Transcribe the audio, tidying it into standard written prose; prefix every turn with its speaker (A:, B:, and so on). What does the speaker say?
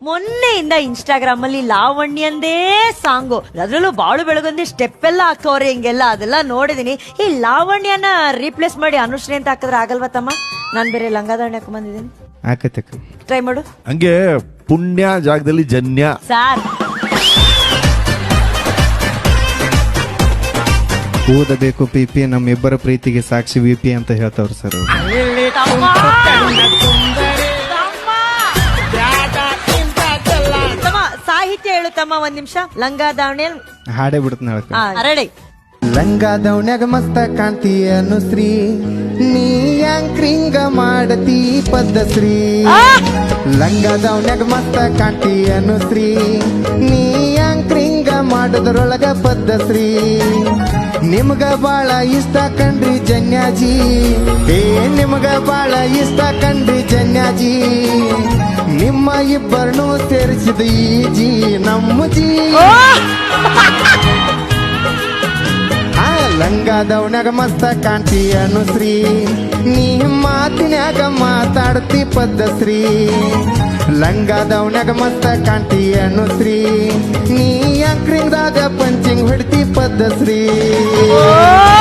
A: ಮೊನ್ನೆಯಿಂದ Instagram ಅಲ್ಲಿ ಲಾವಣ್ಯಂದೇ song, ಅದ್ರಲ್ಲೂ ಬಾಳು ಬೆಳಗೊಂದಿ ಸ್ಟೆಪ್ ಎಲ್ಲ ಹಾಕೋರೆ ಹಿಂಗೆಲ್ಲ, ಅದೆಲ್ಲ ನೋಡಿದೀನಿ. ಈ ಲಾವಣ್ಯನ ರೀಪ್ಲೇಸ್ ಮಾಡಿ ಅನುಶ್ರೀ ಅಂತ ಹಾಕಿದ್ರೆ ಆಗಲ್ವಾ ತಮ್ಮ? ನಾನ್ ಬೇರೆ ಲಂಗಾದಾವಣಿ ಹಾಕೊಂಡ್ ಬಂದಿದ್ದೀನಿ,
B: ಆಕತಕ್ಕ
A: ಟ್ರೈ ಮಾಡು.
C: ಹಂಗೆ ಪುಣ್ಯ ಜಾಗದಲ್ಲಿ ಜನ್ಯ.
A: ಸಾರ್
B: ಓದಬೇಕು ಪಿಪಿ, ನಮ್ಮಿಬ್ಬರ ಪ್ರೀತಿಗೆ ಸಾಕ್ಷಿ ವಿಪಿ ಅಂತ ಹೇಳ್ತಾವ್ರ ಸರ್.
A: ತಮ್ಮ ಸಾಹಿತ್ಯ ಹೇಳು ತಮ್ಮ, ಒಂದ್ ನಿಮಿಷ. ಲಂಗಾದಾವಣಿ
B: ಹಾಡೇ ಬಿಡ್ತಾನ ಹೇಳಕ್ಕ.
A: ರೆಡಿ.
B: ಲಂಗಾದವನ್ಯಾಗ ಮಸ್ತ ಕಾಣ್ತಿ ಅನುಶ್ರೀ, ನೀ ಯಾಂಕ್ರಿಂಗ ಮಾಡತಿ ಪದ್ಧಶ್ರೀ. ಲಂಗಾದವನ್ಯಾಗ ಮಸ್ತ ಕಾಣ್ತಿ ಅನುಶ್ರೀ, ನೀ ಯಾಂಕ್ರಿಂಗ ಮಾಡೋದ್ರೊಳಗ ಪದ್ಧಶ್ರೀ. ನಿಮ್ಗ ಬಾಳ ಇಷ್ಟ ಕಂಡ್ರಿ ಜನ್ಯಾಜಿ, ನಿಮ್ಗ ಬಾಳ ಇಷ್ಟ ಕಂಡ್ರಿ ಜನ್ಯಾಜಿ. ನಿಮ್ಮ ಇಬ್ಬರನ್ನು ಸೇರಿಸಿದ ಈ ಜಿ ನಮ್ಮ ಜಿ. ಲಂಗಾದವನ್ಯಾಗ ಮಸ್ತ ಕಾಣ್ತಿ ಅನುಶ್ರೀ, ನೀ ಮಾತಿನ್ಯಾಗ ಮಾತಾಡ್ತಿ ಪದ್ಧಶ್ರೀ. ಲಂಗಾದವನ್ಯಾಗ ಮಸ್ತ ಕಾಣ್ತಿ ಅನುಶ್ರೀ, ನೀ ಯಾಂಕ್ರಿಂಗ್ದಾಗ ಪಂಚಿಂಗ್ ಹೊಡ್ತಿ ಪದ್ಧಶ್ರೀ.